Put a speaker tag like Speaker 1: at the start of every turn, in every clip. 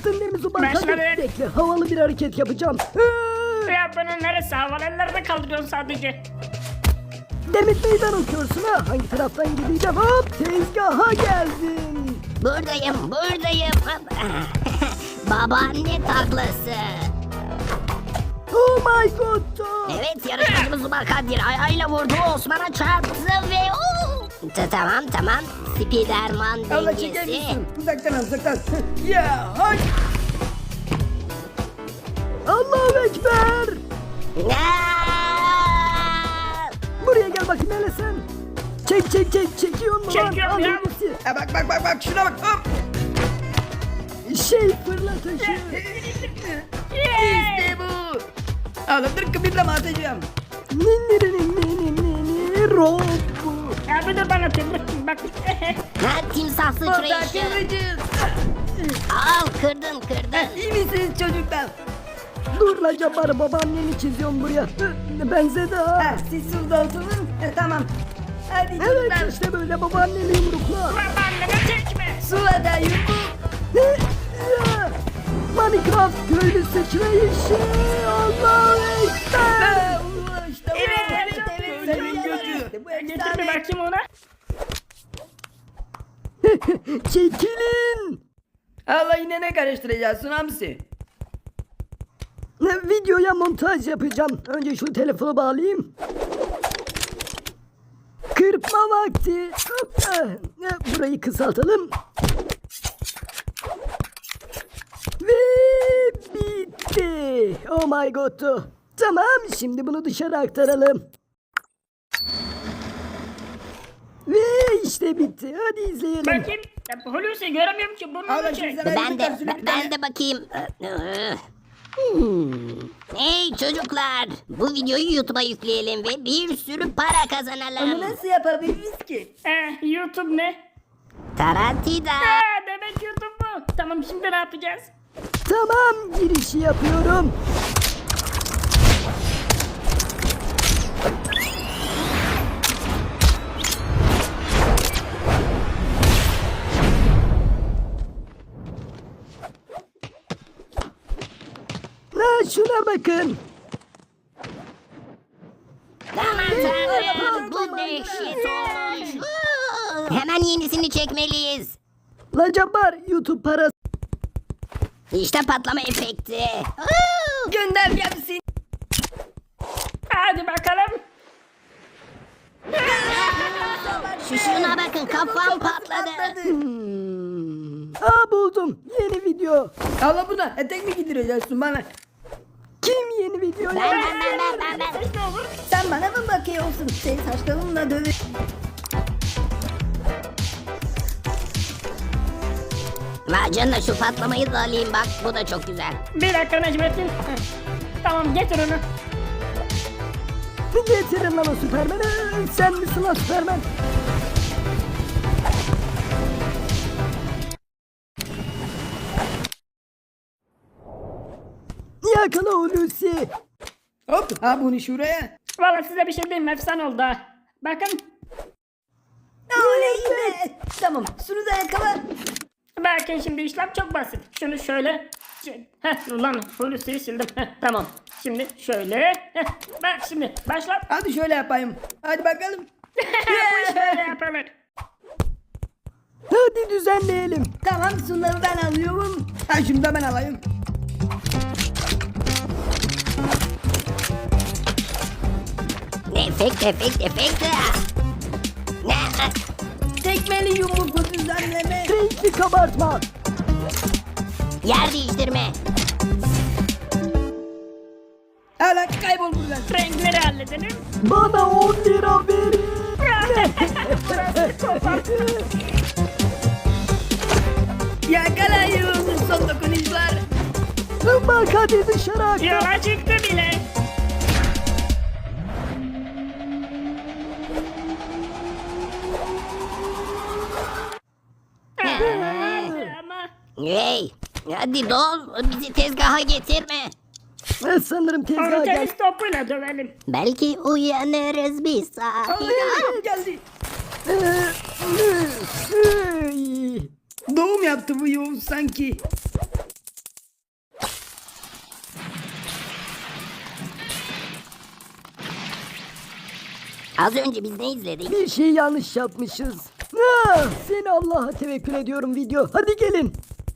Speaker 1: Hazırdın değil mi Zubak? Hadi
Speaker 2: Başladı.
Speaker 1: bekle, havalı bir hareket yapacağım.
Speaker 2: Ya bunun neresi havalı, ellerine kaldırıyorsun sadece.
Speaker 1: Demet meydan okuyorsun ha. Hangi taraftan gideceğim? Hop, tezgaha geldim.
Speaker 3: Buradayım. Babaanne taklası.
Speaker 1: Oh my god.
Speaker 3: Evet, yarışmacımız Zubal Kadir ayağıyla vurdu, Osman'a çarptı ve Tamam. Spiderman
Speaker 4: Allah çeker
Speaker 3: dengesi.
Speaker 4: misin? Uzaktan. Ya hay.
Speaker 1: Allahu Ekber.
Speaker 3: Aa!
Speaker 1: Buraya gel bakayım hele sen. Çekiyor mu lan?
Speaker 2: Çekiyorum
Speaker 1: Al
Speaker 2: ya.
Speaker 1: öylesi.
Speaker 4: Ha, bak şuna bak. Hop.
Speaker 1: Fırlatışı.
Speaker 4: İşte bu. Oğlum dur kıpırdama atacağım.
Speaker 1: Rob.
Speaker 2: Ya bir dur, bana atayım. Bak.
Speaker 3: Timsah
Speaker 4: Orada
Speaker 3: sıçrayışı.
Speaker 4: kıvırcız.
Speaker 3: Al, kırdın.
Speaker 4: İyi misiniz çocuklar?
Speaker 1: Dur la Cabbar, babaanneni çiziyorum buraya. Benzedi ha.
Speaker 4: Ha, siz şurada oturun. Tamam. Hadi
Speaker 1: Evet
Speaker 4: çocuklar.
Speaker 1: işte böyle babaanneni yumrukla.
Speaker 2: Babaanneme çekme.
Speaker 4: Suada yumruk.
Speaker 1: Minecraft köylü sıçrayışı. Allahu Ekber.
Speaker 4: İşte bu.
Speaker 2: Evet.
Speaker 4: Senin gözü. Bu
Speaker 2: Getir bir
Speaker 4: efsane.
Speaker 2: bakayım ona.
Speaker 1: Çekilin.
Speaker 4: Allah yine ne karıştıracaksın hamsi?
Speaker 1: Videoya montaj yapacağım. Önce şu telefonu bağlayayım. Kırpma vakti. Burayı kısaltalım. Ve bitti. Oh my god. Tamam, şimdi bunu dışarı aktaralım. Ve işte bitti. Hadi izleyelim.
Speaker 2: Bakayım. Ya, Hulusi göremiyorum ki, burnunu
Speaker 4: Allah
Speaker 2: çek.
Speaker 4: şimdi sana
Speaker 3: Ben de
Speaker 4: bir
Speaker 3: ben de bakayım. Hey çocuklar, bu videoyu YouTube'a yükleyelim ve bir sürü para
Speaker 4: Onu
Speaker 3: kazanalım.
Speaker 4: nasıl yapabiliriz ki?
Speaker 2: YouTube ne?
Speaker 3: Tarantida.
Speaker 2: Demek YouTube bu. Tamam, şimdi ne yapacağız?
Speaker 1: Tamam, girişi yapıyorum. Şuna bakın.
Speaker 3: Aman tanrım, bu dehşet olmuş. Hemen yenisini çekmeliyiz.
Speaker 1: La Cabbar, YouTube parası.
Speaker 3: İşte patlama efekti.
Speaker 4: Gönder gelsin.
Speaker 2: Hadi bakalım.
Speaker 3: Şuna bakın, kafam patladı.
Speaker 1: Buldum. Yeni video.
Speaker 4: Allah buna etek mi giydireceksin bana?
Speaker 1: Kim yeni video
Speaker 3: Ben.
Speaker 1: ya?
Speaker 2: Ne olur?
Speaker 4: Sen bana mı bakıyorsun? Senin saçlarınla dövüş.
Speaker 3: Vay canına, şu patlamayı da alayım bak, bu da çok güzel.
Speaker 2: Bir dakika Necmettin. Tamam, getir onu.
Speaker 1: Getirin lan o Süpermen'i. Sen misin lan Süpermen? Yakala Hulusi.
Speaker 4: Hop ha bunu şuraya.
Speaker 2: Valla size bir şey diyeyim mi? Efsane oldu ha. Bakın.
Speaker 4: Oley be. Tamam şunu da yakala.
Speaker 2: Bakın şimdi işlem çok basit. Şunu şöyle. Ulan Hulusi'yi sildim. Tamam. Şimdi şöyle. Bak şimdi başlat.
Speaker 4: Hadi şöyle yapayım. Hadi bakalım.
Speaker 2: Bu şöyle yapılır.
Speaker 1: Hadi düzenleyelim.
Speaker 4: Tamam şunları ben alıyorum. Ha şunu da ben alayım.
Speaker 3: Efekt. Ne?
Speaker 4: Tekmeli yumruklu düzenleme.
Speaker 1: Renkli kabartma.
Speaker 3: Yer değiştirme.
Speaker 4: Hala kaybol buradan.
Speaker 2: Renkleri halledelim.
Speaker 1: Bana 10 lira verin.
Speaker 4: Yakalayın son dokunuşlar.
Speaker 1: Bak hadi dışarı aktar.
Speaker 2: Yola çıktı bile. Ama
Speaker 3: Hey, hadi dol, bizi tezgaha getirme.
Speaker 1: Sanırım tezgaha
Speaker 2: onu
Speaker 1: gel.
Speaker 2: tenis topuyla dövelim.
Speaker 3: Belki uyanırız bir saat.
Speaker 4: Geldi.
Speaker 1: Ey.
Speaker 4: Doğum yaptı bu Yavuz sanki.
Speaker 3: Az önce biz ne izledik?
Speaker 1: Bir şey yanlış yapmışız. Seni Allah'a tevekkül ediyorum video. Hadi gelin.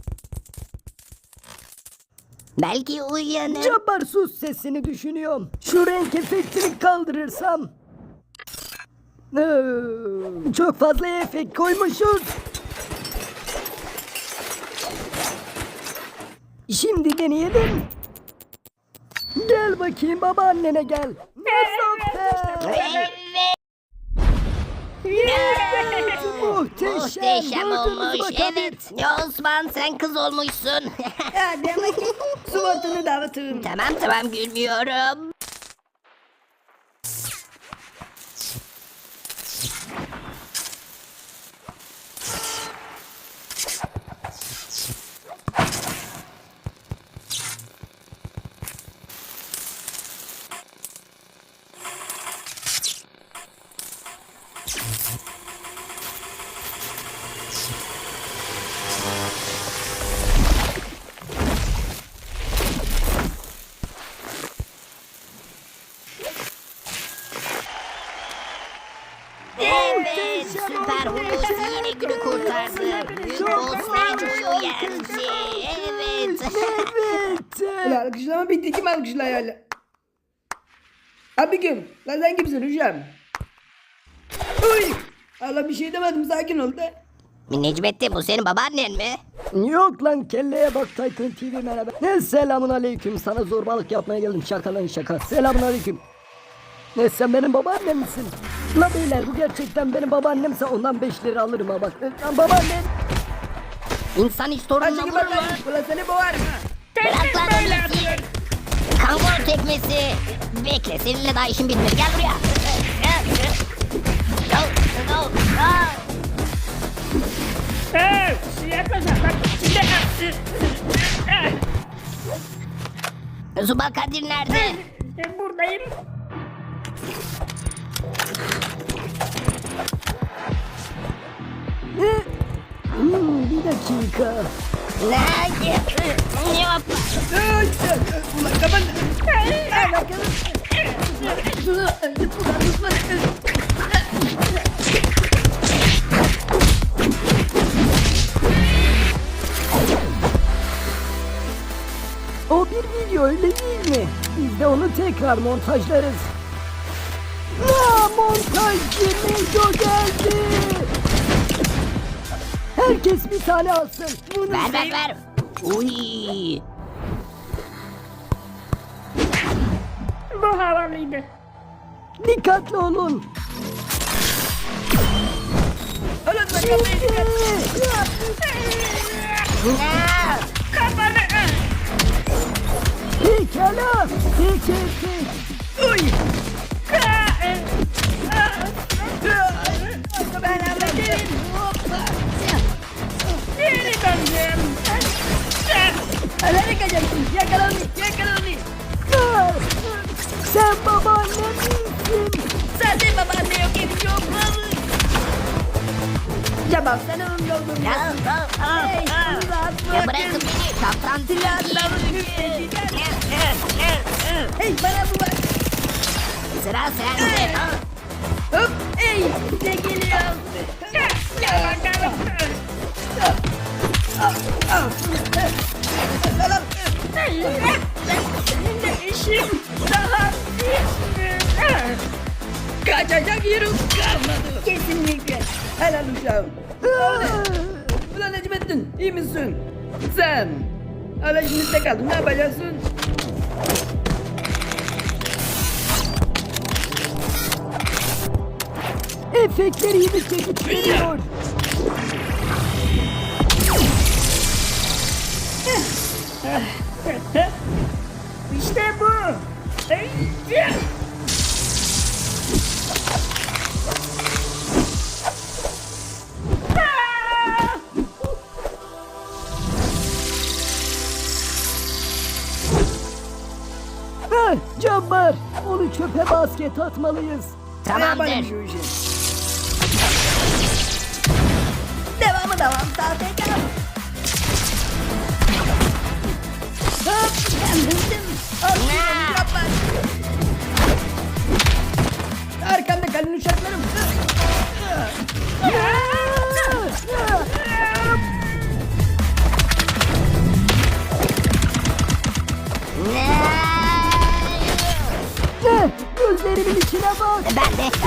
Speaker 3: Belki uyanır.
Speaker 1: Cabbar sus, sesini düşünüyorum. Şu renk efektini kaldırırsam. Çok fazla efekt koymuşuz. Şimdi deneyelim. Gel bakayım, babaannene gel. Muzaffer.
Speaker 3: Evet.
Speaker 1: Muhteşem.
Speaker 3: Muhteşem
Speaker 1: Gördünüz
Speaker 3: olmuş.
Speaker 1: mü Kadir?
Speaker 3: Evet. Osman sen kız olmuşsun.
Speaker 4: Ya demek ki suvatını dağıtırım.
Speaker 3: Tamam gülmüyorum. Evet, Süper Hulusi yine günü kurtardı. Büyük boss Neco'yu yendi. Evet.
Speaker 1: Evet.
Speaker 4: Ulan alkışlama bitti. Kim alkışlıyor hala? Abi kim? Lan sen kimsin hocam? Uy! Allah bir şey demedim, sakin ol da.
Speaker 3: Necmettin bu senin babaannen mi?
Speaker 1: Yok lan, kelleye bak, Titan TV merhaba. Ne selamun aleyküm, sana zorbalık yapmaya geldim, şaka lan şaka. Selamun aleyküm. Ne, sen benim babaannem misin? La beyler, bu gerçekten benim babaannemse ondan 5 lira alırım ha bak. Lan babaannem.
Speaker 3: İnsan hiç torununa
Speaker 4: Hadi
Speaker 3: vurur
Speaker 4: bak
Speaker 3: mu?
Speaker 4: lan. Ulan seni boğarım ha.
Speaker 3: Bırak lan Hulusi. Kangol tekmesi. Bekle seninle daha işim bitmedi. Gel buraya.
Speaker 2: Yaklaşma bak.
Speaker 3: Zubal Kadir nerede?
Speaker 2: Buradayım.
Speaker 1: Bir dakika.
Speaker 3: Ne yap?
Speaker 4: Ulan kapan.
Speaker 1: O bir video, öyle değil mi? Biz de onu tekrar montajlarız. Montajcı Neco geldi. Herkes bir tane alsın. Bunu
Speaker 3: Ver. Uy.
Speaker 2: Bu havalıydı.
Speaker 1: dikkatli olun.
Speaker 4: Ulan bak kapıyı dikkat.
Speaker 2: Kafanı.
Speaker 1: Pekala. Peki.
Speaker 4: Uy! Ben halledeyim.
Speaker 2: Geri döndüm.
Speaker 4: Nereye kaçacaksın? Yakala onu.
Speaker 1: Sen babaannem misin?
Speaker 4: Zaten babaanne yok, evin yok. Cabbar sen onun yolunu
Speaker 3: Ya,
Speaker 4: Hey, rahat
Speaker 3: ya
Speaker 4: bırakın.
Speaker 3: bırakın beni. Kaptan
Speaker 4: Silahlarını
Speaker 3: Tilki.
Speaker 4: Hey bana bu bak.
Speaker 3: Sıra sende.
Speaker 4: Hop. Hey ne geliyor?
Speaker 2: Gel bakalım.
Speaker 4: Salam.
Speaker 2: Senin de işim daha bitmedi.
Speaker 4: Kaçacak yerim kalmadı. Kesinlikle. Helal uşağım. Ulan Necmettin iyi misin? Sen. Hala işimizde kaldın, ne yapacaksın?
Speaker 1: Efektleri yedikçe gidiyor.
Speaker 2: İşte bu. Hey,
Speaker 1: Cabbar, onu çöpe basket atmalıyız.
Speaker 4: Yapayım
Speaker 3: Tamamdır.
Speaker 4: şu işi. Devam. Sahtekar. Hop. Yandım. Al şunu, yapma. Arkamda kalın
Speaker 1: gözlerimin içine bak.
Speaker 3: Ben de.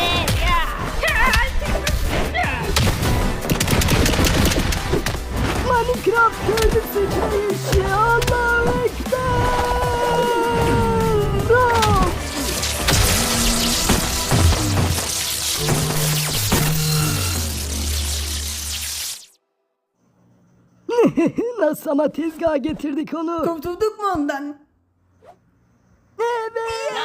Speaker 1: Minecraft köylüsü içine Allahu Ekber. Nasıl ama tezgaha getirdik onu.
Speaker 4: Kurtulduk mu ondan?
Speaker 1: Evet.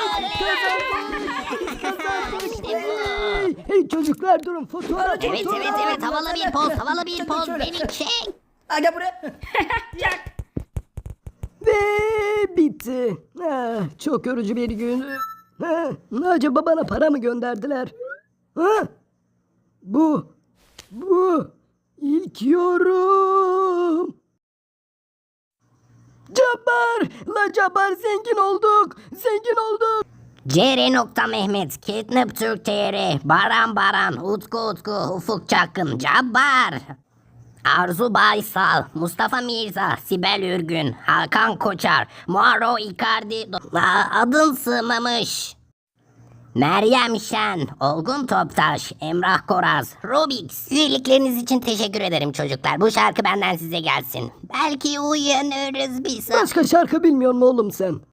Speaker 1: Kazandık. Hey çocuklar durun fotoğraf.
Speaker 3: Evet. Havalı bir poz. Beni çek.
Speaker 4: Aga buraya.
Speaker 2: Çak.
Speaker 1: Ve bitti. Çok yorucu bir gün. Acaba bana para mı gönderdiler? Bu ilk yorum. Cabbar zengin olduk.
Speaker 3: CR.Mehmet, Catnap Türk TR, Baran, Utku, Ufuk Çakın, Cabbar, Arzu Baysal, Mustafa Mirza, Sibel Ürgün, Hakan Koçar, Muaro Icardi, adın sığmamış, Meryem Şen, Olgun Toptaş, Emrah Koraz, Rubix. Üyelikleriniz için teşekkür ederim çocuklar. Bu şarkı benden size gelsin. Belki uyanırız bir saat.
Speaker 1: Başka şarkı bilmiyor mu oğlum sen?